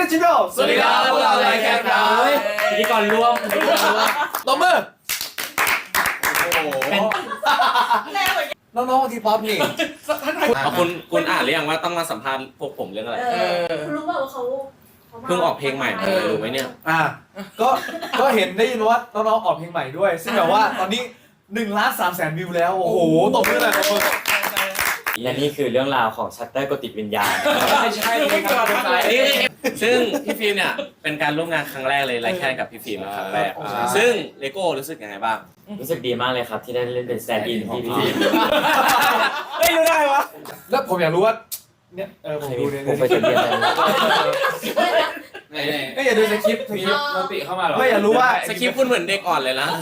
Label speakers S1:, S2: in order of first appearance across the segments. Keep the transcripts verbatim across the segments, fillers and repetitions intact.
S1: จิโร่
S2: สวัสดีครับพวกเราไลแคนครับพิธีกรร่วม
S1: ตบมือ
S3: เป็น
S1: น้องๆทีป๊อปนี่
S2: คุณคุณอ่านหรือยังว่าต้องมาสัมภาษณ์พวกผมเรื่องอะไร
S3: คุณรู้เปล่าว่าเขา
S2: เพิ่งออกเพลงใหม่มารู้ไหมเนี่ย
S1: อ่าก็ก็เห็นได้ยินว่าน้องๆออกเพลงใหม่ด้วยซึ่งแบบว่าตอนนี้หนึ่งล้านสามแสนวิวแล้วโอ้โหตบมือเลยตบมือ
S4: และนี่คือเรื่องราวของชัตเตอร์กดติดวิญญาณ
S2: ไม่ใช่ไม่ก่อนนี่ซึ่งพี่ฟิล์มเนี่ยเป็นการร่วมงานครั้งแรกเลยไลแคนกับพี่ฟิล์มครั้งแรกซึ่งเลโก้รู้สึกยังไงบ้าง
S4: รู้สึกดีมากเลยครับที่ได้เล่นเป็นแซนด์อินพี่พี่
S1: ไม่รู้ได้วะแล้วผมอยากรู้ว่าเนี่ยเออผมดูเนี่ย
S4: ผมไปถึงเรียนอะไร
S1: ก็อย่าดูสคริปต์สคริปต์
S2: มันติเข้ามาหรอ
S1: ไม่อยากรู้ว่า
S2: สคริปต์คุณเหมือนเด็กอ่อนเลยนะ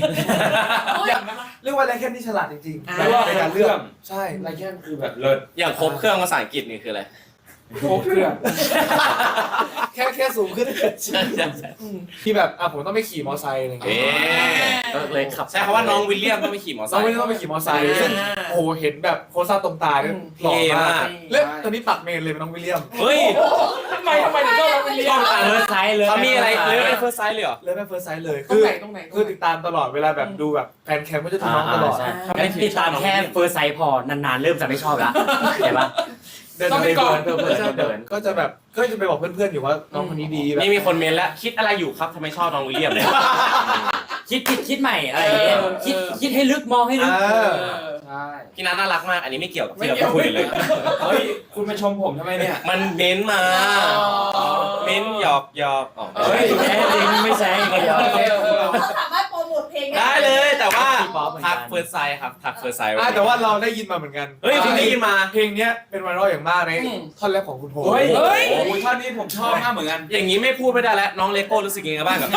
S1: เรียกว่าไลแคนที่ฉลาดจริงๆในการเลือกใช่ไลแคนคือแบบเลิศ
S2: อย่างครบเครื่องภาษาอังกฤษนี่คืออะไร
S1: ครบเครื่องแค่แค่สูงขึ้นที่แบบอ่ะผมต้องไปขี่มอไซค์อะไรอย่างเงี้ย
S2: ก็เลยขับใช่คำว่าน้องวิลเลียมต้องไปขี่มอไซค์
S1: น้องวิลเลียมต้องไปขี่มอไซค์ซึ่งโอ้โหเห็นแบบโคซ่าตรงตาเนี่ยหล่อมากเล่นตอนนี้ตัดเมนเลยเป็นน้องวิลเลียม
S2: เฮ้ย
S3: ทำไมทำไมถึงต้องน้องวิลเลียม
S4: เฟิร์สไซส์เลย
S2: เขามีอะไรเลยเป็นเฟิร์สไซส์เลยเหรอ
S1: เลยเป็นเฟิร์สไซส์เลยคือคือติดตามตลอดเวลาแบบดูแบบแฟนแคมก็จะดูน้องตลอด
S4: ติดตามแค่เฟิร์สไซส์พอนานๆเริ่มจะไม่ชอบละเห็นปะ
S1: ต้องไปก่อนเพื่อนๆก็จะแบบก็จะไปบอกเพื่อนๆอยู่ว่าน้องคนนี้ดีแบบ
S2: นี่มีคนเมนแล้วคิดอะไรอยู่ครับทำไมชอบน้องวิลเลียมเนี่ย
S4: คิดคิดคิดใหม่อะไรอย่างเงี้ยคิดคิดให้ลึกมองให้ลึก
S1: ใช่
S2: พี่นัทน่ารักมากอันนี้ไม่เกี่ยวกับที่เราคุยเลย
S1: เฮ้ยคุณมาชมผมทำไมเนี่ย
S2: มันเม้นมาเม้นหยอกหยอก
S4: เฮ้ยแท้จริงไม่ใช่
S3: เขาสามารถโปรโมทเพลง
S2: ได้เลยแต่ว่าทักเฟิร์สไซส์ครับทักเฟิร์สไซส์
S1: แต่ว่าเราได้ยินมาเหมือนกัน
S2: เฮ้ยคุณได้ยินมา
S1: เพลงนี้เป็นไวรัลอย่างมากในท่อนแรกของคุณโพ
S2: เฮ้ยเฮ้ย
S1: ท่อนนี้ผมชอบมากเหมือนกัน
S2: อย่างนี้ไม่พูดไม่ได้แล้วน้องเลโก้รู้สึกยังไงบ้างกับ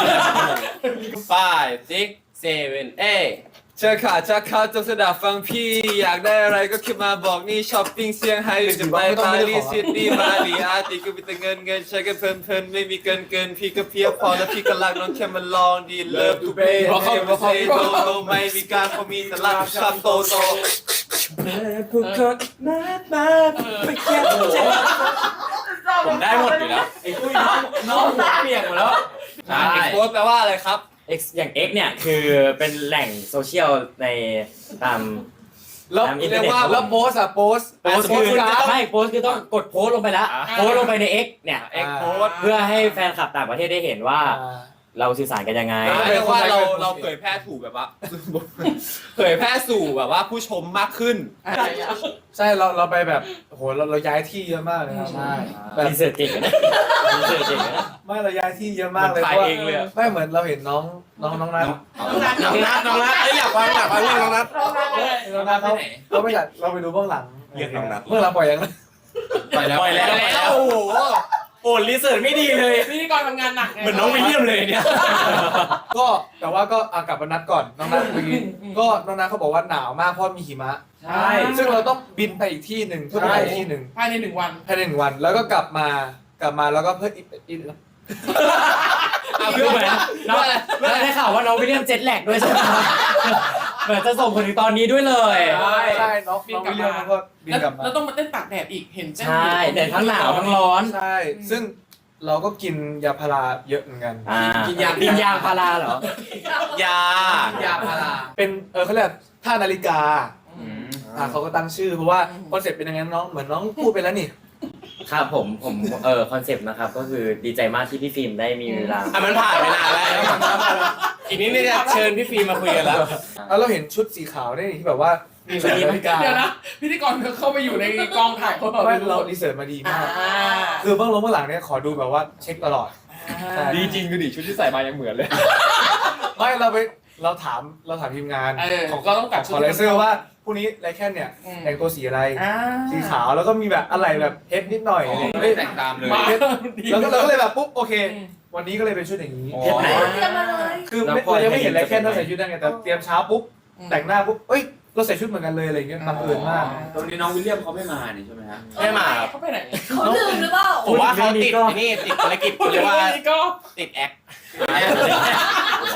S2: five six seven eight
S1: เจอขาจะเข้าจะสดับฟังพี่อยากได้อะไรก็ขึ้นมาบอกนี่ช้อปปิ้งเซี่ยงไฮ้หรือจะไปปารีสซิดนีย์มาลีอาร์ติก็มีแต่เงินเงินใช้กันเพลินเพลินไม่มีเกินเกินพี่ก็เพียบพอแล้วพี่ก็รักน้องแค่มาลองดีเลิฟทูเบย์เพราะเขาเพราะเขาโตโตไม่มีการเขามีแต่รักช้ำโตโตผู้คนนัดมาไม่แค่
S2: ผมได้หมดอยู่แล้ว
S4: ไอ้ตุ้ยน้องน้องหัวเปียกหมดแล้ว
S2: ใช่โพสแปลว่าอะไรครับ
S4: X อย่าง X เนี่ยคือเป็นแหล่งโซเชียลในตาม
S1: แล้วเรียกว่าแล้วโพสอะโพส
S4: โพสคือไม่โพสคือต้องกดโพสลงไปแล้วโพสลงไปใน X เนี่ย
S1: X โพส
S4: เพื่อให้แฟนคลับต่างประเทศได้เห็นว่าเราสื่อสารกันยังไง
S2: เรียกว่าเราเราเผยแพร่ถูกแบบว่าเผยแพร่สู่แบบว่าผู้ชมมากขึ้น
S1: ใช่เราเราไปแบบโหเราเราย้ายที่เยอะมากเลยครับ
S4: ใช่แบบรีเสิร์ชเก่งนะรีเสิร์ชเก่งนะ
S1: ไม่เราย้ายที่เยอะมากเลยเพราะว่าไม่เหมือนเราเห็นน้องน้องน้องนัท
S2: น้องนัทน้องนัทอยากฟังอยากฟังเรื่องน้องนัท
S1: น้องนัทเขาเราไม่อยากเราไปดูเบื้องหลัง
S2: เรื่องน้องนัท
S1: เมื่อเราปล่อยยัง
S2: ปล่อยแล้วปล่อยแล้วโอ้โหโอ้รีเสิร์ชไม่ดีเลย
S3: พิธีกรทำงานหนัก
S2: เหมือนน้องวิลเลียมเลยเนี่ย
S1: ก็แต่ว่าก็กลับมานัดก่อนน้องนัทเมื่อกี้ก็น้องนัทเขาบอกว่าหนาวมากเพราะมีหิมะ
S3: ใช่
S1: ซึ่งเราต้องบินไปอีกที่หนึ่งเพื่อไปอีกที่หนึ่ง
S3: ภายในหนึ่งวัน
S1: ภายในหนึ่งวันแล้วก็กลับมากลับมาแล้วก็เพื่ออีกอีก
S4: เพื่อเหมือนน้องได้ข่าวว่าน้องวิลเลียมเจ็ตแลกด้วยใช่ไหมเหมือนจะส่งผลถึงตอนนี้ด้วยเลย
S1: ใช่ใช่น้องวิลเลียมก็บินกลับมา
S3: แล้วต้องมาเต้นตากแดดอีกเห็น
S4: ใช่แดดทั้งหนาวทั้งร้อน
S1: ใช่ซึ่งเราก็กินยาพาราเยอะเหมือนกัน
S4: กินยากินยาพาราเหร
S2: อย
S3: ายาพารา
S1: เป็นเออเขาเรียกท่านาฬิกาอ่าเขาก็ตั้งชื่อเพราะว่าคอนเซ็ปต์เป็นยังไงน้องเหมือนน้องพูดไปแล้วนี่
S4: ครับผมผมเออคอนเซปต์นะครับก็คือดีใจมากที่พี่ฟิล์มได้มีเวลา
S2: อ่ะมันผ่านไปนานแล้วอีกนิดนึงจะเชิญพี่ฟิล์มมาคุยกันแล้ว
S1: แล้วเราเห็นชุดสีขาวนี่ที่แบบว่ามีนาฬิกา
S3: เดี๋ยวนะพิธีกรเข้าไปอยู่ในกองถ่ายเขา
S1: ไม่เราดีเสิร์ชมาดีมากคือเบื้องลงเบื้องหลังเนี่ยขอดูแบบว่าเช็คตลอด
S2: ดีจริงคือดิชุดที่ใส่มายังเหมือนเลย
S1: ไม่เราไปเราถามเราถามทีมงาน
S3: ของเราต้องกัด
S1: ขอไลเซอร์ว่าพรุ่งนี้ไลแคนเนี่ยแต่งตัวสีอะไรสีขาวแล้วก็มีแบบอะไรแบบเฮดนิดหน่อย
S2: ไม่แต่งตามเลย
S1: แล้วก็เราก็เลยแบบปุ๊บโอเควันนี้ก็เลยเป็นชุดอย่างนี้
S3: เตรียมมาเลย
S1: คือเรายังไม่เห็นไลแคนเราใส่ชุดนั่นไงแต่เตรียมเช้าปุ๊บแต่งหน้าปุ๊บเอ้ยเราใส่ชุดเหมือนกันเลยอะไรเงี้ยบังเอิญมาก
S2: ตอนนี้น้องวิลเลียมเขาไม่มานี่ใช่ไหมฮะ
S3: ไม่มาเขาไปไหนเขาลืมหรือเปล่า
S2: ผมว่าเขาติดนี่ติดภารกิจเรียกว่าติดแอค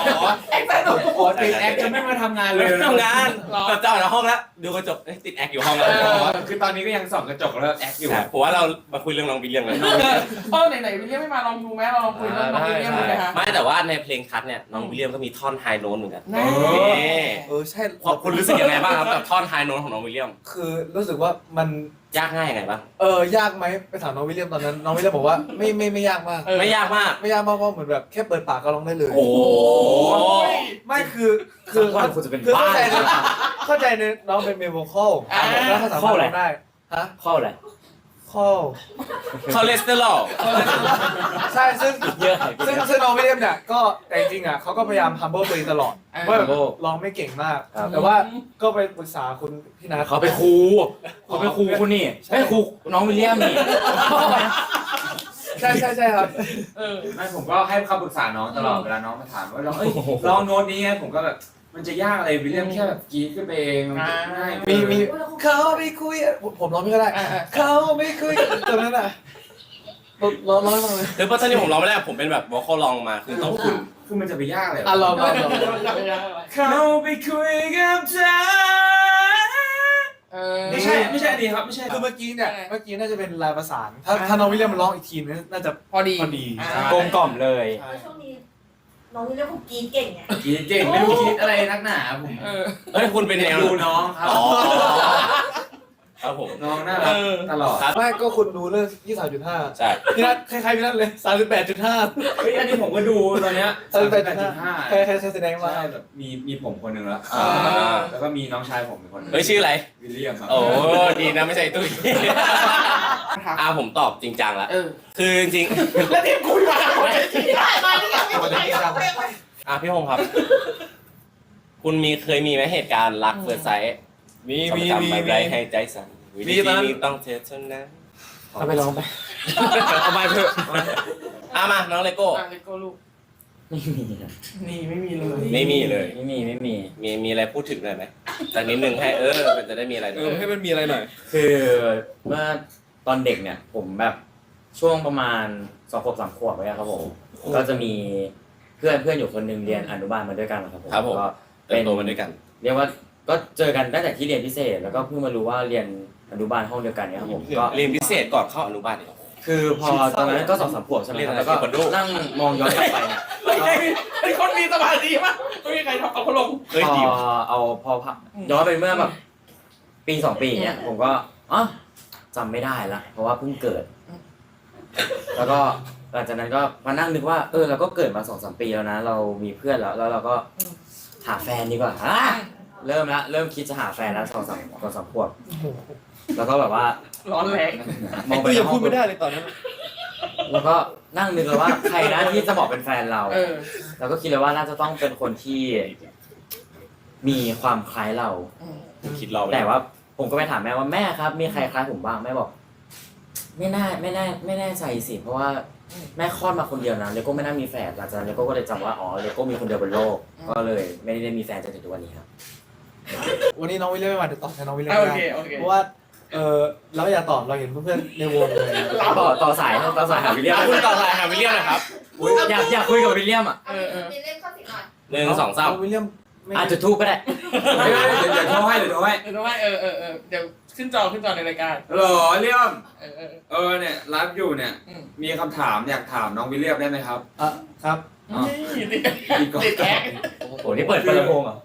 S3: แอคสนุก
S4: อ๋อติดแอคจะไม่มาทำงานเลย
S2: ทำงานแบบจะออกจากห้องแล้วดูกระจกเอ้ยติดแอคอยู่ห้องแล้ว
S4: คือตอนนี้ก็ยังส่องกระจกแล้วแอคอยู่
S2: ใช่ผมว่าเรามาคุยเรื่องน้องวิลเลียมกัน
S3: เออไหนๆวิลเลียมไม่มาลองดูไหมเราลองคุยเรื่องน้องวิลเลียมดูไหมคะ
S2: ไม่แต่ว่าในเพลงคัทเนี่ยน้องวิลเลียมก็มีท่อนไฮโน้ตเหมือนกัน
S3: แน่
S2: นี่
S1: เออใช่
S2: คุณรู้สึกยังไงบ้างครับกับท่อนไฮโน้ตของน้องวิลเลียม
S1: คือรู้สึกว่ามัน
S2: ยากง่ายยังไงบ้าง
S1: เออยากไหมไปถามน้องวิลเลียมตอนนั้นน้องวิลเลียมบอกว่าไม่ไม่ไม่ยากมาก
S3: เออ
S2: ไม่ยากมาก
S1: ไม่ยากมากเพราะเหมือนแบบแค่เปิดปากก็ร้องได้เลย
S2: โอ้โห
S1: ไม่คือคือ
S4: ว่าคุณจะเป็น
S1: คือ
S4: บ้า
S1: เข้าใจในเข้าใจในน้องเป็นเมโวคอล
S3: อ่า
S1: แล้วเขาสามารถร้องได้ฮะ
S4: ข้ออะไร
S1: คอล
S2: คอเลสเตอรอล
S1: ใช่ซึ่ง
S4: เยอะ
S1: ซึ่งซึ่งน้องวิลเลียมเนี่ยก็แต่จริงๆอ่ะเขาก็พยายาม humble ตัวเองตลอดว่าแบบร้องไม่เก่งมาก แต่ว่าก็ไปปรึกษาคุณพี่นัท
S4: เขาเป็นครูเขาเป็นครูคุณนี่ไม่ครูน้องวิลเลียมนี่
S1: ใช่ใช่ใช่ครับ
S3: เออ
S5: ไม่ผมก็ให้คำปรึกษาน้องตลอดเวลาน้องมาถามว่าลองเอ้ยลองโน้ตนี้ไงผมก็แบบมันจะยากอะไรวิลเลียมแค่แบบกรีดขึ้นไปเองมันง่าย
S1: มีมีเขาไม่คุยอะผมผมร้องไม่ก็ได้
S3: อ่าอ่า
S1: เขาไม่คุยตอนนั้นอ่ะร้องร้องให้ฟังเลย
S2: หรือเพราะตอนนี้ผมร้องไม่ได้ผมเป็นแบบวอลคอลลองมาคือต้องคุณ
S5: คือมันจะไปยากเลย
S1: อ่ะลองลองลอง
S5: เขาไปคุยกับเธอ
S3: เออ
S5: ไม่ใช่ไม่ใช่อันนี้ครับไม่ใช่
S1: คือเมื่อกี้เนี่ยเมื่อกี้น่าจะเป็นลายประสาน ถ้าถ้าน้องวิลเลียมมันร้องอีกทีนึงน่าจะ
S3: พอดี
S1: พอดี
S3: าก
S4: ลมกล่อมเลย
S1: ใช่
S6: ช่วงนี้น้องวิลเลียมเขากรีดเก่งไง
S5: กรีดเก่งไม่รู้คิดอะไรนักหนาผม
S3: เออ
S2: เฮ้ยคุณเป็นแนว
S5: ดูน้องครับ
S2: อ๋อครับผม
S5: น้องน่ารักตลอด
S2: ครับ
S1: ไม่ก็คุณดูเรื่องยี่สิบสามจุดห้า
S2: ใช่
S1: พี่นัทคล้ายๆพี่นัทเลยสามสิบแปดจุดห้า
S5: เฮ้ยอันนี้ผมก็ดูตอนเนี้ย
S1: สามสิบแปด
S5: แป
S1: จุ
S5: ด
S1: ด
S5: จุ
S1: ห้า
S5: ดห้า
S1: ใครใครใครแสดงมา
S5: ใช่แบบมีมีผมคนหนึ่งแล้ว
S2: อ่า
S5: แล้วก็มีน้องชายผมเป็นคนหนึง
S2: เฮ้ยชื่ออะไร
S5: วิลเลียมครับ
S2: โอ้ดีนะไม่ใช่ตุ้ยอ่าผมตอบจริงจังแล้ว
S3: เออ
S2: คือจริง
S3: แล้วทีมคุยมาคนที่
S6: มานี่ยังไม่
S1: คนจะจริงจัง
S2: ๆอ่ะพี่พงศ์ครับ คุณมีเคยมีไหมเหตุการณ์รักเฟิร์สไซส์
S1: มีมี
S2: จำ
S1: มี
S2: ไม่
S1: มี
S2: ได้ให้ใจสั่นวิ
S1: มี
S2: ธี
S1: ตอนนั้น
S2: นี้ต้องเทสเท่านั้น
S4: เอาไปร้องไป
S1: เอาไปเถอะ
S2: อ่ะมาน้องเลโก้
S3: อ่ะเลโก้ลูก
S4: ไม่มีครับ
S3: นี่ไม่มีเลย
S2: ไม่มีเลย
S4: ไม่มีไม่มี
S2: มีมีอะไรพูดถึงหน่อยไหมจากนิดนึงให้เออมันจะได้มีอะไร
S1: เอ
S2: ด้วย
S1: อให้มันมีอะไรหน่อย
S4: คือเมื่อตอนเด็กเนี่ยผมแบบช่วงประมาณสองขวบสามขวบไว้ครับผมก็จะมีเพื่อนเพื่อนอยู่คนหนึ่งเรียนอนุบาลมาด้วยกันนะครับผม
S2: ครับผม
S4: ก็
S2: เติบโตมาด้วยกัน
S4: เรียกว่าก็เจอกันตั้งแต่ที่เรียนพิเศษ แล้วก็เพิ่งมารู้ว่าเรียนอนุบาลห้องเดียวกันเนี่ยครับผมก็
S2: เรียนพิเศษก่อนเข้าอนุบาลเนี่ย
S4: คือพอตอนนั้นก็สองสามขวบใช่ไหมครับ
S2: เรียนอะไร
S4: แล้วก็
S2: เทควันโด
S4: นั่งมองย้อนกลับไปเนี่ย
S3: เป็นคนมีสมาธิมากไม่มีใครทำเอาเขาลง
S2: เฮ้ย
S4: พ
S2: ดี
S4: อเอาพอพักย้อนไปเมื่อแบบปีสองปีเนี่ยผมก็อ๋อจำไม่ได้ละเพราะว่าเพิ่งเกิด แล้วก็หลังจากนั้นก็มานั่งนึกว่าเออเราก็เกิดมาสองสามปีแล้วนะ เรามีเพื่อนแล้วแล้วเราก็หาแฟนดีกว่าอ่ะเริ่มละเริ่มคิดจะหาแฟนแล้วสองสามสองสามขวบแล้วก็แบบว่า
S3: ร้อนแรง
S4: มองไป
S1: กู
S4: ใน
S1: ยัง
S4: ห้
S1: พู
S4: อ
S1: ด
S4: ง
S1: ไม่ได้เลยตอนนั้น
S4: แล้วก็นั่งนึกเลยว่าใครนะที่จะเหมาะเป็นแฟนเรา
S3: เออ
S4: แล้วก็คิดเลยว่าน่าจะต้องเป็นคนที่มีความคล้ายเรา
S2: คิดเรา
S4: แต่ว่าผมก็ไปถามแม่ว่าแม่ครับ มีใครคล้ายผมบ้างแม่บอก ไม่น่าไม่น่าไม่แน่ใจสิเพราะว่าแม่คลอดมาคนเดียวนะเลโก้ไม่น่ามีแฝดหลังจากนั้นเลโก้ก็เลยจำว่าอ๋อเลโก้มีคนเดียวบนโลก ก็เลยไม่ได้มีแฟนจนถึงทุกวันนี้ครับ
S1: วันนี้น้องวิลเลียมไม่มาเดี๋ยวตอบแทนน้องวิลเลียม
S3: โอ
S1: ได้
S3: เคโอเค
S1: เพราะว่าเออเราอยากตอบเราเห็นเพื่อนๆในวงเลย
S4: ต่อต่อสายต่อสายหาวิลเลียม
S2: อ่ะคุณต่อสายหาวิลเลียมหนะครับ
S4: อยากอยากคุยกับวิลเลียมอ่ะ
S6: เอาวิลเลียมเข้าสิหน่อย
S2: หนึ่งสองสาม
S1: น้วิลเลียมไม่
S4: อาจจะทูบก็ได้
S5: ไม่ไม่เดี๋ยวเดี๋ยวโทรให้เดี๋ยวโทรให้
S3: เดี๋ยวต้องให้เออเออเออเดี๋ยวขึ้นจอขึ้นจอในรายการ
S5: ฮัลโหลเลี่ยม
S3: เออเออ
S5: เออเนี่ยไลฟ์อยู่เนี่ย
S3: อืม
S5: มีคำถามอยากถามน้องวิลเลียมได้ไหมครับ
S1: อ่ะครับ
S5: อ๋อ
S3: นี่ติด
S5: อีกก่อน
S3: ติดแอค
S4: โอ้โหนี่เปิดเปิดลำโพงเหรอ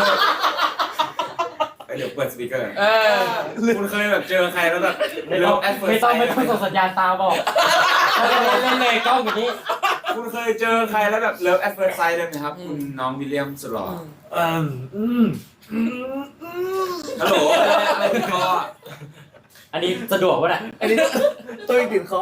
S5: เอ้ยเดี๋ยวเปิดสปีกเกอร์
S3: เออ
S5: คุณเคยแบบเจอใครแล้วแบบ
S4: ไม่ต้อง
S5: แอดเฟิร์
S4: ไม่
S5: ส
S4: ต้องไม่ต้องส่งสัญญาณตาบอกเขาจะเล่นเล่นเลยกล้องอย่างนี้
S5: คุณเคยเจอใครแล้วแบบเลิฟแอดเฟิร์สไซด์เลยไหมครับคุณน้องวิลเลียมสุดหล่อ
S1: อืมอืมอืม
S5: ฮัลโหลอะไรอะไรติดคอ
S4: อันนี้สะดวกวะเนี่ย
S1: อันนี้ตัวอีกติดคอ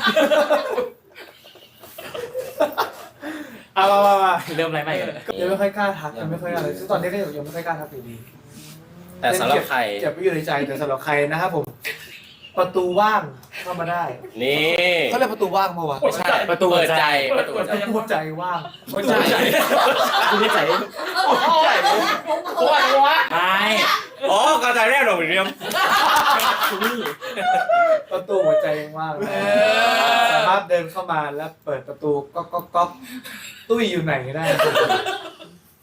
S1: เอามามามา
S4: เริ่มอะไรใหม่กัน
S1: ยังไม่ค่อยกล้าทักยังไม่ค่อยอะไรซึ่งตอนนี้ก็ยังไม่ค่อยกล้าทักอยู่ดี
S2: แต่สำหรับใคร
S1: เจ็บไม่อยู่ในใจแต่สำหรับใครนะครับผม ประตูว่างเข้ามาได้
S2: นี่
S1: เขาเรียกประตูว่างมาวะ
S2: ไม่ใช่ประตูเปิดใจประตู
S1: ประตูหัวใจว่าง
S5: หัวใจ
S4: คุณไม่ใส่
S3: โอ้ยโอ้ยวะ
S4: ไม่
S2: อ๋อกระจายแรกหรอวิลเลียม
S1: ประตูหัวใจยังว่าง
S3: เออ
S1: สามารถเดินเข้ามาแล้วเปิดประตูก๊อกก๊อกก๊อกตุ้ยอยู่ไหนก็ได้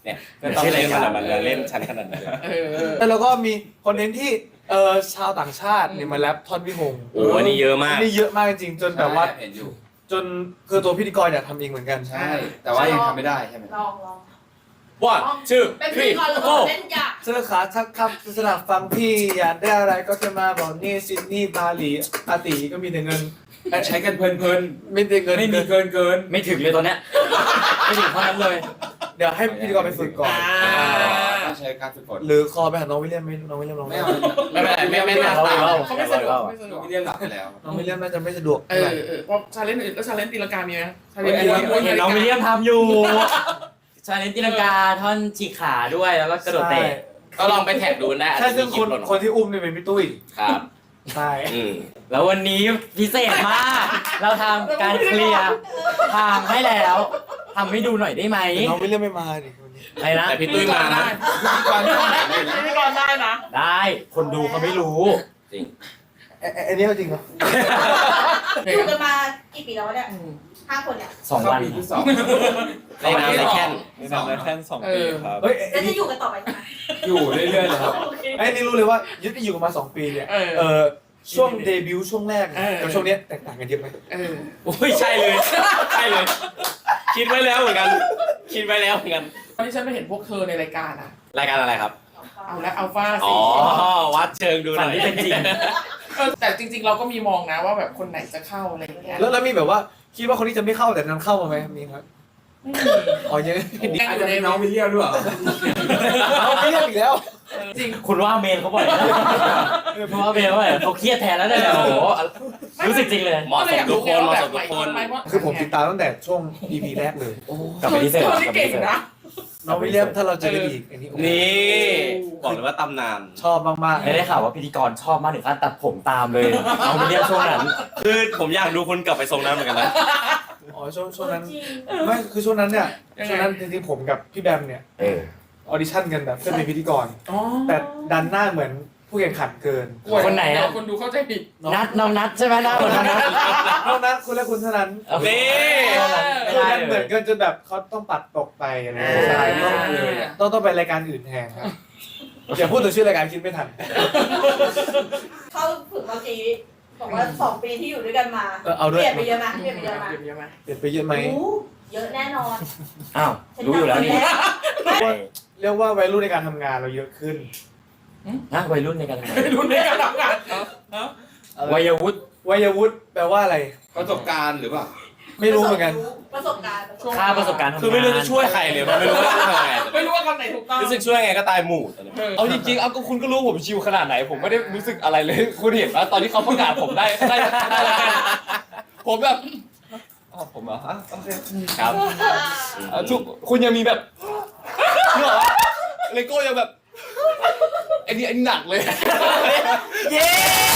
S2: เนี่ยก็ต้องเล่นมันมันเล่นชั้นขนาดนั้นเลย
S3: เออเออ
S1: แล้วก็มีคอนเทนต์ที่เออชาวต่างชาติเนี่ยมาแรปท่อนพี่หง
S2: โอ้โหอันนี้เยอะมาก
S1: นี่เยอะมากจริงๆจนแบบว่า
S5: เห็นอยู่
S1: จนคือตัวพิธีกรอยากทำเองเหมือนกัน
S5: ใช่ แต่ว่ายังทำไม่ได้ใช่ไหม
S6: ลองลอง
S2: ว่าชื่อ
S6: เป็น
S2: ค
S6: พิ
S2: รี
S6: ธีกรหรือ
S2: โก้
S6: เล่นยา
S1: เสื้อขาทักคำสนับฟังพี่อยากได้อะไรก็แค่มาบอกนี่ซิดนีย์บาหลีอาติก็มีแต่เงิน
S5: ใช้กันเพลิน
S1: ไม่ได้เงิน
S5: ๆไม่มีเกินเกิน
S4: ไม่ถึงเลยตอนเนี้ยไม่ถึงเท่านั้นเลย
S1: เดี๋ยวให้พิธีกรไปฝึกก่อน
S5: ต้องใช้การฝึกฝน
S1: หรือคอไปหาน้องวิลเลียมไหมน้องวิลเลียมลอง
S5: ไม่เอา
S2: ไม่เป็นไรไม่ไม่น่าตาม
S3: เขาไม่สะดวกเขาไม่สะดวก
S5: ไม่เรียนหลับไปแล้ว
S1: น้องวิลเลียมน่าจะไม่สะดวก
S3: เอ
S1: เท่าไหร่
S3: อเออเพราะชาเลนจ์อื่นแล้วชาเลนจ์ตีลังกามีไหมชาเล
S4: เห็
S3: น
S4: น
S3: จ์ตีลังกา
S4: เห็นน้องวิลเลียมทำอยู่ชาเลนจ์ตีลังกาท่อนฉีกขาด้วยแล้วก็กระโดดเตะ
S2: ก็ลองไปแท็กดูได้
S1: ใช่ซึ่งคนคนที่อุ้มเนี่ยเป็นพี่ตุ้ย
S2: ครับ
S1: ใช่
S2: อืม
S4: แล้ววันนี้พิเศษมาก เราทำการเคลียร์ทางให้แล้วทำให้ดูหน่อยได้ไหม
S1: แต่น้องวิลเลียมไม่มาดิคนนี้
S4: อะไรนะ
S2: แต่พี่ตุ้ยมานะ
S5: พิธีกรต้องไหนเลยนะ
S3: พิธีกรได้นะ
S4: ได้คนดูเขาไม่รู้
S2: จริง
S1: เอ๊ะเอ๊ะอันนี้เอาจริงเหรอ
S6: อยู่กันมากี่ปีแล้วเนี่ยห้าคนเนี่ย
S4: สองวัน
S5: เข้าปีที่สอง
S2: ในนามในแค่น
S5: ในนามในแค่น
S1: สองปีครับเฮ้ย
S6: แล้วจะอยู่กันต่อไปใช่ไหม
S5: อยู่เรื่อยๆเลยครับ
S6: โอเค
S1: ไอ้นี่รู้เลยว่ายึดอยู่กันมาสองปีเนี่ย
S3: เออ
S1: เออช่วงเดบิวต์ช่วงแรก
S3: เออ
S1: กับช่วงเนี้ยแตกต่างกันเยอะไหม
S3: เออ
S2: โอ้ยใช่เลย ใช่เลย คิดไว้แล้วเหมือนกัน คิดไว้แล้วเหมือนกัน
S3: ตอนที่ฉันไปเห็นพวกเธอในรายการอะ
S2: รายการอะไรครับ
S3: เอาละอัลฟา
S2: อ๋
S3: สิ
S2: อ วัดเชิงดูห
S4: ฝั
S2: น่
S4: น
S2: อย
S4: ที่เป็นจริง
S3: เออแต่จริง ๆ เราก็มีมองนะว่าแบบคนไหนจะเข้าอะไรอย่างเงี้ย
S1: แล้วแล้วมีแบบว่าคิดว่าคนนี้จะไม่เข้าแต่นั้นเข้ามาไหมมีครับ
S3: ไม่มี
S1: อ๋อเยอะ
S5: อาจจะเป็นน้องวิลเลียมด้วยเหรอ
S1: เอาไม่เรียกอีกแล้ว
S3: จริง
S4: คุณว่าเมนเขาบ่อยนะคุณว่าเมนเขาบ่อยเขาเครียดแทนแล้วเนี่ยโอ้โหรู้สึกจริงเลย
S2: เหมาะสมทุกคนเหมาะสมทุกคน
S1: คือผมติดตามตั้งแต่ช่วง อี พี แรกเลย
S4: กลับไปที่เซลล์
S3: คน
S4: ก
S3: ที่
S4: ลับไป
S3: เก่ง
S4: ที่เซลล์
S3: นะ
S1: น้องวิลเลียมถ้าเราเจอกันอีกอันนี้
S2: นี่ บอกเลยว่าตำนาน
S1: ชอบมาก
S4: ไม่ได้ข่าวว่าพิธีกรชอบมากถึงขั้นตัดผมตามเลยน้องวิลเลียมช่วงนั้น
S2: คือผมอยากดูคุณกลับไปทรงนั้นเหมือนกันนะ
S1: ๆอ๋อช่วงช่วงนั้น
S6: จริง
S1: ไม่คือช่วงนั้นเนี่ยช่วงนั้นจริงๆผมกับพี่แบมเนี่ย
S4: เออ
S1: ออดิชั่นกันแบบเพื่อเป็นพิธีกร
S3: อ๋อ
S1: แต่ดันหน้าเหมือนผู้แข่งขันเกิน
S4: คนไหนอะ
S3: คนดูเข้าใจผิด
S4: นัดน้องนัดใช่ไหมนัดคนนั้นนัด
S1: เท่านั้นคุณและคุณเท่านั้น
S2: นี่
S4: ไม่
S1: คือ
S4: ได้
S1: มันเห
S4: เล
S1: มือย นกันจนแบบเขาต้องปัดตกไปอะไรอย่าง
S3: อ่า
S1: เงี้ยใช่ต้องต้องต้องไปรายการอื่นแทนครับอย่าพูดถึงชื่อรายการคิดไม่ทัน
S6: เข้าฝึกเมื่อกี้บอกว่าสองปีที่อยู่ด้วยกันมา
S1: เออเอาด้วย
S6: เปลี่ยนไปเยอะไหมเปลี่ยนไปเยอะไหม
S3: เยอะไหม
S1: เปลี่ยนไปเยอะไหม
S6: รู้เยอะแน่นอน
S4: อ้าวรู้อยู่แล้วนี่
S1: เรียกว่าวัยรุ่นในการทำงานเราเยอะขึ้น
S4: นะวัยรุ่นในการทำงาน
S3: ไม่รู้ในการทำงาน
S4: วัยวุฒิ
S1: วัยวุฒิแปลว่าอะไร
S5: ประสบการณ์หรือเปล่า
S1: ไม่รู้เหมือนกัน
S6: ประสบการณ์ประสบ
S4: ค่า
S6: การณ์
S4: ประสบการณ์ทำงาน
S2: คือไม่รู้จะช่วยใครเลยมันไม่รู้ว่าจะทำยังไง
S3: ไม่รู้ว่าคำไหนถูกต้อง
S2: รู้สึกช่วยไงก็ตายหมู่ตอนนี้
S1: เอาจริงๆเอาก็คุณก็รู้ผมชิวขนาดไหน ผมไม่ได้รู้สึกอะไรเลย คุณเห็นว่าตอนที่เขาประกาศผมได้ได้ได้แล้วกันผมแบบอ๋อผมเหรอฮะโอเค
S2: ครับ
S1: อ่ะทุกคุณยังมีแบบเนกอะเลโก้ยังแบบไอ้นี่ไอ้นี่หนักเลย
S4: เย้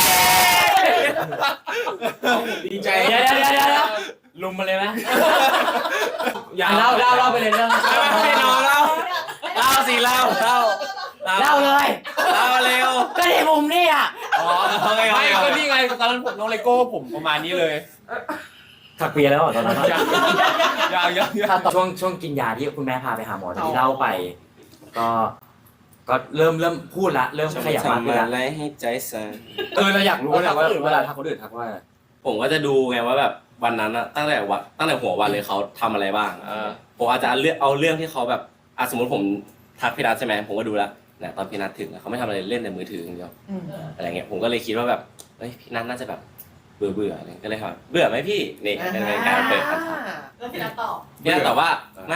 S5: ดีใจ
S4: เดี๋ยวเดี๋ยวเดี๋ยวเดี๋ยวลุมมาเลยไหมอย่าเล่าเล่าเล่าไปเลยเรื่อง
S2: ไม่ไม่ไม่นอนเล่าเล่าสิเล่าเล่า
S4: เล่าเลย
S2: เล่าเร็ว
S4: ก็ที่มุมนี่อ่ะ
S2: อ๋อโอเคโอ
S1: ไม่
S2: เค
S1: ก็นี่ไงตอนนั้นผมน้องเลโก้ผมประมาณนี้เลย
S4: ถักเปียแล้วเหรอตอนนั้น
S1: ยังยังยังยัง
S4: ถ้าตอนช่วงช่วงกินยาที่คุณแม่พาไปหาหมอที่เล่าไป ก็ ก็เริ่มเริ่มพูดละเริ่มขยับมากขึ้นละ
S2: อะไรให้ใจสั่น
S4: เออเราอยากรู้นะว่าเวลาทักคนอื่นทักว่า
S2: ผมก็จะดูไงว่าแบบวันนั้นอะตั้งแต่วันตั้งแต่หัววันเลยเขาทำอะไรบ้างผมอาจจะเอาเรื่องเอาเรื่องที่เขาแบบอ่ะสมมติผมทักพี่นัทใช่ไหมผมก็ดูแล้วเนี่ยตอนพี่นัทถึงอะเขาไม่ทำอะไรเล่นแต่มือถืออย่างเดียวอะไรเงี้ยผมก็เลยคิดว่าแบบเฮ้ยพี่นัทน่าจะแบบเบื่อเบื่ออะไรก็เลยถามเบื่อไหมพี่นี่เป็นการเปิดคำถาม
S6: แล้วพี่นัทตอบ
S2: พี่นัทตอบว่าไม่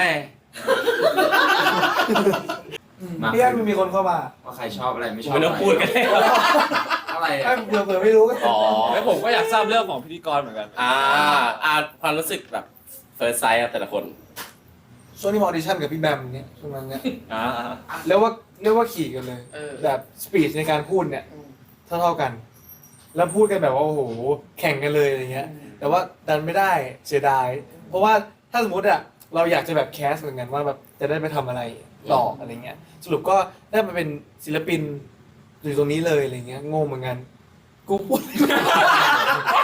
S4: มา
S1: พี่แอมมีคนเข้ามา
S5: ว่าใครชอบอะไรไม่ชอบ
S2: ไม่ต้องพูดกันเลย
S5: อะไร
S1: ไอ้เผื่อเผื่อไม่รู้ก็
S2: อ๋อ
S1: แล้วผมก็อยากทราบเรื่องของพิธีกรเหมือนกัน
S2: อ่าอ่าความรู้สึกแบบเฟิร์สไซส์แต่ละคน
S1: ช่วงที่มาออดิชั่นกับพี่แบมเนี่ยช่วงนั้นเนี่ย
S2: อ่า
S1: เรียกว่าเรียกว่าขี่กันเลย
S3: เออ
S1: แบบสปีดในการพูดเนี่ยเท่าเท่าๆกัน แล้วพูดกันแบบว่าโอ้โหแข่งกันเลยอะไรเงี้ย แต่ว่าดันไม่ได้เสียดาย เพราะว่าถ้าสมมติอะเราอยากจะแบบแคสเหมือนกันว่าแบบจะได้ไปทำอะไรต่ออะไรเงี้ย สรุปก็ได้มาเป็นศิลปินอยู่ตรงนี้เลยอะไรเงี้ยงงเหมือนกันกูพูด
S6: กับการ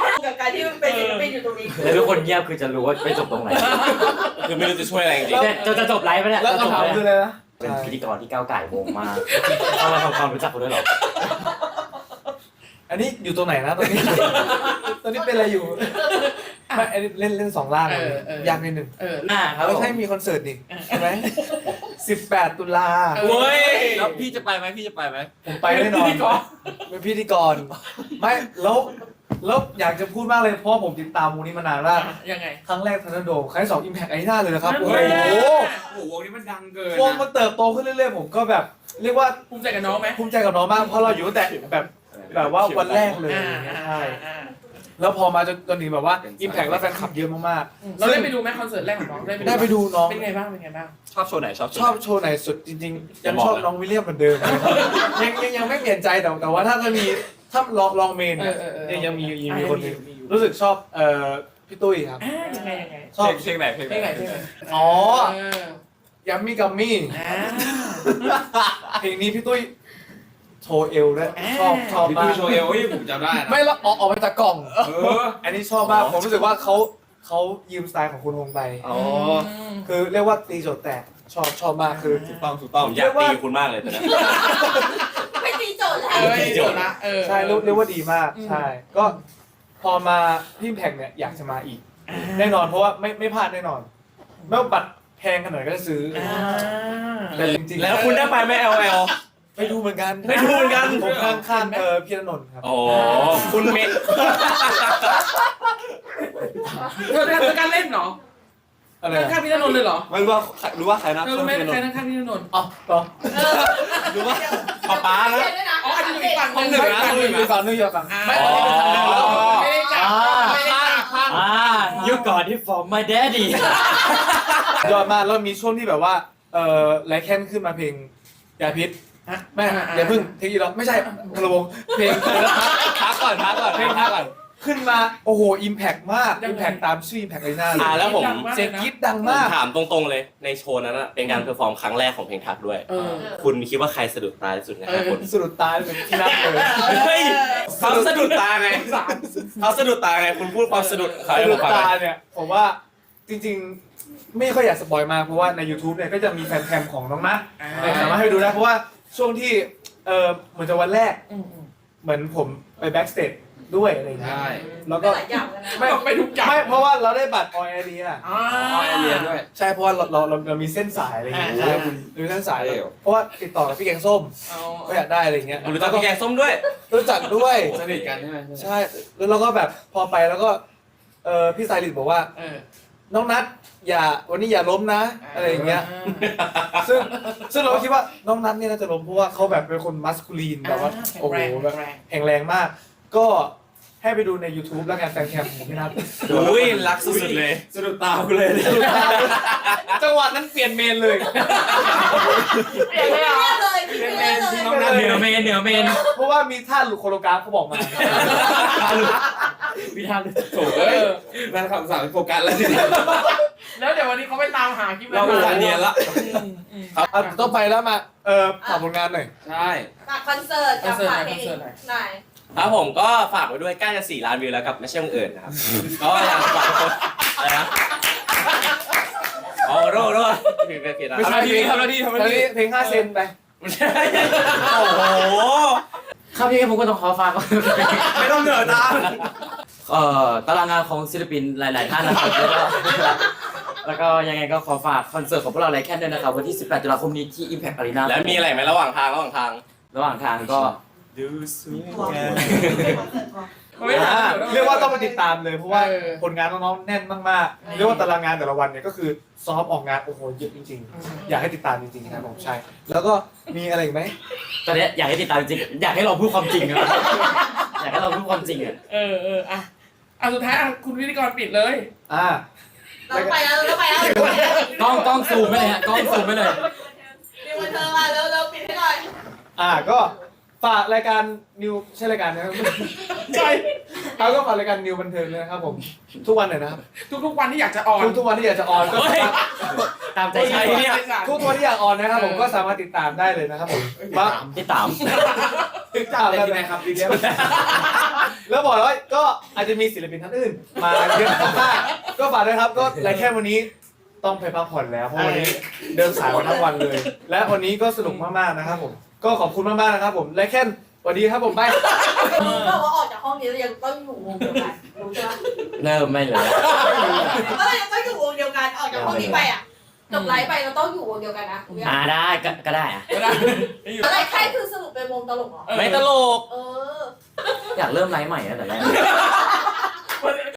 S6: ที่มันเป็นศิลปินอยู่ตรงนี้
S4: แล้วทุกคนเงียบคือจะรู้ว่าไปจบตรงไหน
S2: คือไม่รู้จะช่วยอะไรจริง
S4: เนี่ยจะจะจบไลฟ์ไปเนี่ย
S1: แล้ว
S4: จะจบ
S1: คำถาม
S4: แล้ว
S1: คืออะไรนะ
S4: เป็นพิธีกรที่ก้าวไก่วงมากต้องมาทำความรู้จักเขาด้วยเหรอ
S1: อันนี้อยู่ตรงไหนนะตอนนี้ ตอนนี้เป็นอะไรอยู่ไม่อันนี้เล่นเล่นสองล่างเลย
S3: เออเออ
S1: ยากนิดหนึ่ง
S3: เออ
S4: อ่าครับ
S1: แล้ว
S4: ผม
S1: ให้มีคอนเสิร์ตดิใช่ไหมสิบแปดตุลา
S3: เอ
S2: ๆเว้ยแล้วพี่จะไปไหมพี่จะไปไหม
S1: ผมไปแน่นอนเป็นพิธีกรไม่แล้วแล้วอยากจะพูดมากเลยเพราะว่าผมติดตามวงนี้มานานมาก
S3: ยังไง
S1: ครั้งแรกทันโดครั้งที่สองอิมแพกไอหน้าเลยนะครับ
S3: นั่น
S1: โอ้
S3: แหละ
S1: โห
S5: โอ้โหวงนี้มันดังเกิน
S1: วงมันเติบโตขึ้นเรื่อยๆผมก็แบบ เรียกว่า
S3: ภูมิใจกับน้องไหม
S1: ภูมิใจกับน้องมากเพราะเราอยู่ตั้งแต่แบบแบบว่าวันแรกเลย
S3: อ่าอ่า
S1: ใช่
S3: อ่า
S1: แล้วพอมาจนจนถึงแบบว่าอิมแพกแล้วแฟนคลับเยอะมาก
S3: เราได้ไปดูไหมคอนเสิร์ตแรกของน้องได้ไป
S1: ๆได้ไปดูน้อง
S3: เป็นไงบ้างเป็นไงบ้าง
S2: ชอบโชว์ไหนชอบโชว์
S1: ชอบโชว์ไหนสุดจริงๆ ยังชอบน้องวิลเลียมเหมือนเดิม ยังยังยังไม่เปลี่ยนใจแต่แต่ว่าถ้าจะมีถ้าลองลองเมนเนี่ย
S3: เออเออเออ
S1: ยังยังมียังมี
S3: อ่ะ
S1: คนหนึง
S3: มีอยู่
S1: รู้สึกชอบเอ่อพี่ตุ้ยครับ
S3: อ่ายังไงยังไง
S1: ชอบ
S2: เพลงไหนเพลง
S3: เพลงไหนเพลงไหน
S1: อ๋อ
S3: เออ
S1: ยัมมี่กัมมี่
S3: อ่า
S1: เพลงนี้พี่ตุ้ยโชว์เอวด้วย
S3: อ่า
S1: ชอบชอบ
S5: พี่
S1: มา
S5: ดู
S1: ก
S5: โชว์เอลเฮ้ยผมจำได้นะ
S1: ไม่แล้วออกออกมาจากกล่อง
S5: เออ
S1: อันนี้ชอบมากผมรู้สึกว่าเขาเขายืมสไตล์ของคุณวงไป
S2: อ๋อ
S3: ม
S1: คือเรียกว่าตีโจทย์แตกชอบชอบมากคือ
S2: ถูกต้องถูกต้องผมอยากตีคุณมากเลยตอนนี้
S6: ไม่ตีโจทย์แล้
S3: เอ
S6: ว
S3: อไม่จบละเออ
S1: ใช่เรียกเรียกว่าดีมาก
S3: อืม
S1: ใช่ ก็พอมาพี่แพงเนี่ยอยากจะมาอีก แน่นอนเพราะว่าไม่ไม่พลาดแน่นอนไม่ว่าบัตรแพงขนาดไหนก็จะซื้ออ
S3: อ่า
S1: แต่จริงๆ
S2: แล้วคุณได้ไปไหม แอล แอล
S1: ไปดูเหมือนกัน
S2: ไปดูเหมือนกัน
S1: ผมข้างข้างๆเออพี่ณนนท์ครับ
S2: โอ้คุณเมน
S3: เธอเธอการเล่นเหรอ
S1: อะไร
S3: นั่งข้างพี่ณนนท์เลยเหรอ
S2: ไม่รู้ว่ารู้ว่าใครนะ
S3: เธอรู้ไหมใครนั่งข้างพี่ณนนท์
S1: อ๋อต่อ
S2: รู้ว่าป๊าป๊านะ
S3: อ๋ออาจจะอยู่อีกฝั่งห
S2: ห้องห
S3: นึ่
S2: นึ่
S3: ง
S2: งนะ
S1: ไม่อยู่ฝั่งนึงอยู่ฝั่ง
S3: อ่า
S1: ไม่ตอนนี้เป็นทางเดินแล้ว
S3: ไม่ได้จับไม่ได้จับ
S4: อ่า you got it from my daddy
S1: ยอดมากแล้วมีช่วงที่แบบว่าเออไลแคนขึ้นมาเพลงยาพิษแม่อย่าเพิ่งเทคอีล็อกไม่ใช่พลวงเพลง
S2: พักก่อนพักก่อนเพลงพักก่อน
S1: ขึ้นมาโอ้โหอิมแพกมากอิมแพกตามชื่ออิมแพกเลยหน้าเล
S2: อ่าย แล้วผม
S1: เสียงกรี๊ดดัง
S2: ผม
S1: มาก
S2: ถามตรงๆเลยในโชว์นั้นอะเป็นการเพอร์ฟอร์มครั้งแรกของเพลงทักด้วย
S3: เออ
S2: คุณคิดว่าใครสะดุดตาที่สุดในห้าคน
S1: สะดุดตาเป็นที่นับเลย
S2: เฮ้ยเขาสะดุดตาไงเขาสะดุดตาไงคุณพูดความสะดุดเขา
S1: สะ
S2: ให้ผ
S1: ดุ
S2: ม
S1: ด
S2: ฟังห
S1: ตา
S2: น่อย
S1: เนี่ยผมว่าจริงๆ ไม่ค่อยอยากสปอยมากเพราะว่าใน YouTube เนี่ยก็จะมีแฟนแคมของน้องนัท
S3: อ่า
S1: เนี่ยสามารถให้ดูได้เพราะว่าช่วงที่เออเหมือนจะวันแรก
S3: อืมอืม
S1: เหมือนผมไปแบ็กสเตจด้วยอะไรอย่างเงี้ย
S5: ใช่
S1: แล้วก็
S6: หลายอย่างเลยนะ
S1: ไม่
S3: ไปทุกอย่าง
S1: ไม่เพราะว่าเราได้บัตรออยเดีย
S3: อ่า
S5: อ๋อไอเรียนด้วย
S1: ใช่เพราะว่าเราเราเราเรามีเส้นสายอะไรอย่างเงี้ย
S3: อ่า
S1: ใช่คุณมีเส้นสาย
S5: เร็ว
S1: เพราะว่าติดต่อกับพี่แกงส้ม
S3: เอา
S1: ก็อยากได้อะไรอย่างเงี้ย
S2: คุณรู้จักพี่แกงส้มด้วย
S1: รู้จักด้วย
S5: สนิทกันใช่ไหม
S1: ใช่แล้วเราก็แบบพอไปแล้วก็เออพี่สายลิดบอกว่า
S3: เออ
S1: น้องนัทอย่าวันนี้อย่าล้มนะ อะไรอย่างเงี้ย ซึ่งซึ่งเราก็คิดว่าน้องนัทเนี่ยน่าจะล้มเพราะว่าเขาแบบเป็นคนมัสคูลีนแบบว่า
S3: อ่า
S1: โอ้โห
S3: แข็งแรง
S1: แบบ
S3: แข็งแรง
S1: แข็งแรงมาก ก็ให้ไปดูใน YouTube แล้วกันแฟนแคมของพี่นัท
S2: อุ้ยรักสุดๆเลย
S5: สะดุดตาคุณเลย
S1: จังหวะนั้นเปลี่ยนเมนเลย
S6: เปลี่ยนเลยเหรอเลยพี่เปลี่ยนเลย
S5: น้องนัท
S4: เหนือเมนเหนือเมน
S1: เพราะว่ามีท่าหลุดโคโรกราฟเขาบอกมา
S4: วิธาน
S5: โถ่เอ้ยนั่นคำสั่งโฟกัสแล้วเนี่ย
S3: แล้วเดี๋ยววันนี้เขาไปตามหาคลิป
S5: เราอุตส่าห์เนียนละ
S3: อืมอืม
S1: อ่ะต้องไปแล้วมา เออฝากผลงานหน่อย
S5: ใช่
S6: ฝากคอนเสิร์ตกับฝากเพลงไหน
S2: ครับผมก็ฝากไว้ด้วยใกล้จะสี่ล้านวิวแล้วกับไม่ใช่บังเอิญนะครับ ก็อยากฝากทุกคนอะไรนะอ๋อโร่โร่ผิดไปผิดนะ
S1: ไม่ใช่
S2: ทำหน้าที่ทำหน้าที่ทำหน้าที่
S1: เพลงห้าเซนไป
S2: ไม่ใช่โอ้โห
S4: ครับพี่ผมก็ต้องขอฝากก่อน
S2: ไม่ต้องเหนือตา
S4: เอ่อตารางงานของศิลปินหลาย ๆ ท่านนะครับแล้วก็แล้วก็ยังไงก็ขอฝากคอนเสิร์ตของพวกเราไลแคนด้วยนะครับวันที่สิบแปดตุลาคมนี้ที่ Impact Arena
S2: แล้วมีอะไรไหมระหว่างทางระหว่างทาง
S4: ระหว่างทางก็
S2: ดูสวยงาม
S3: ไม่ถาม
S1: เรียกว่าต้องไปติดตามเลยเพราะว่า
S3: เออ
S1: ผลงานน้องๆแน่นมากๆ เรียกว่าตารางงานแต่ละวันเนี่ยก็คือซ้อมออกงานโอ้โหเยอะจริงๆ อยากให้ติดตามจริงๆครับผมใช่ แล้วก็มีอะไรอีกไหม
S4: ตอนเนี้ยอยากให้ติดตามจริงอยากให้เราพูดความจริงอะอยากให้เราพูดความจริงอะ
S3: เออเอออ่ะอ่ะสุดท้ายอ่ะคุณพิธีกรปิดเลย
S1: อ่า
S6: เราไปแล้วเราไปแล้ว
S4: กล้องกล้องซูมไปเลยฮะกล้องซูมไปเลย
S6: มีวันเธอมาแล้วเราปิดให้หน่อย
S1: อ่าก็ฝากรายการนิวใช่รายการนะครับ
S3: ใช่
S1: เขาก็ฝากรายการนิวบันเทิงเลยนะครับผมทุกวันเลยนะครับ
S3: ทุกๆวันที่อยากจะออน
S1: ทุกทุกวันที่อยากจะออนก็สามารถ
S4: ตามใจใครเนี่ย
S1: ทุกตัวที่อยากออนนะครับผมก็สามารถติดตามได้เลยนะครับผมมา
S4: พี่ตาม
S1: ติดตาม
S5: อะไร
S1: กัน
S5: ที่ไหนครับวิลเลียม
S1: แล้วบอกเลยว่าก็อาจจะมีศิลปินท่านอื่นมาเยอะมากก็ฝากด้วยครับก็รายแค่วันนี้ต้องไปพักผ่อนแล้วเพราะวันนี้เดินสายมาทั้งวันเลย และวันนี้ก็สนุกมากๆนะครับผมก็ขอบคุณมากๆนะครับผมรายแค่สวัสดีครับผมไป
S6: รู้เปล่าว่าออกจากห้องนี้แล้วยังต้องอยู่วงเดียวกันรู้ใช่ไหม
S4: เริ่มไม่เลย
S6: ก็เลยยังต้องอยู่วงเดียวกันออกจากห้องนี้ไปอ่ะจบไลฟ์ไปเราต้องอยู่วงเดียวกันนะรู้ยัง
S4: อ่าได้ก็ก็ได้อะ
S6: อะไรแค่คือสรุปเป็นวงตลกเหรอ
S2: ไม่ตลก
S6: เออ
S4: อยากเริ่มไลฟ์ใหม่แล้วแต่แรก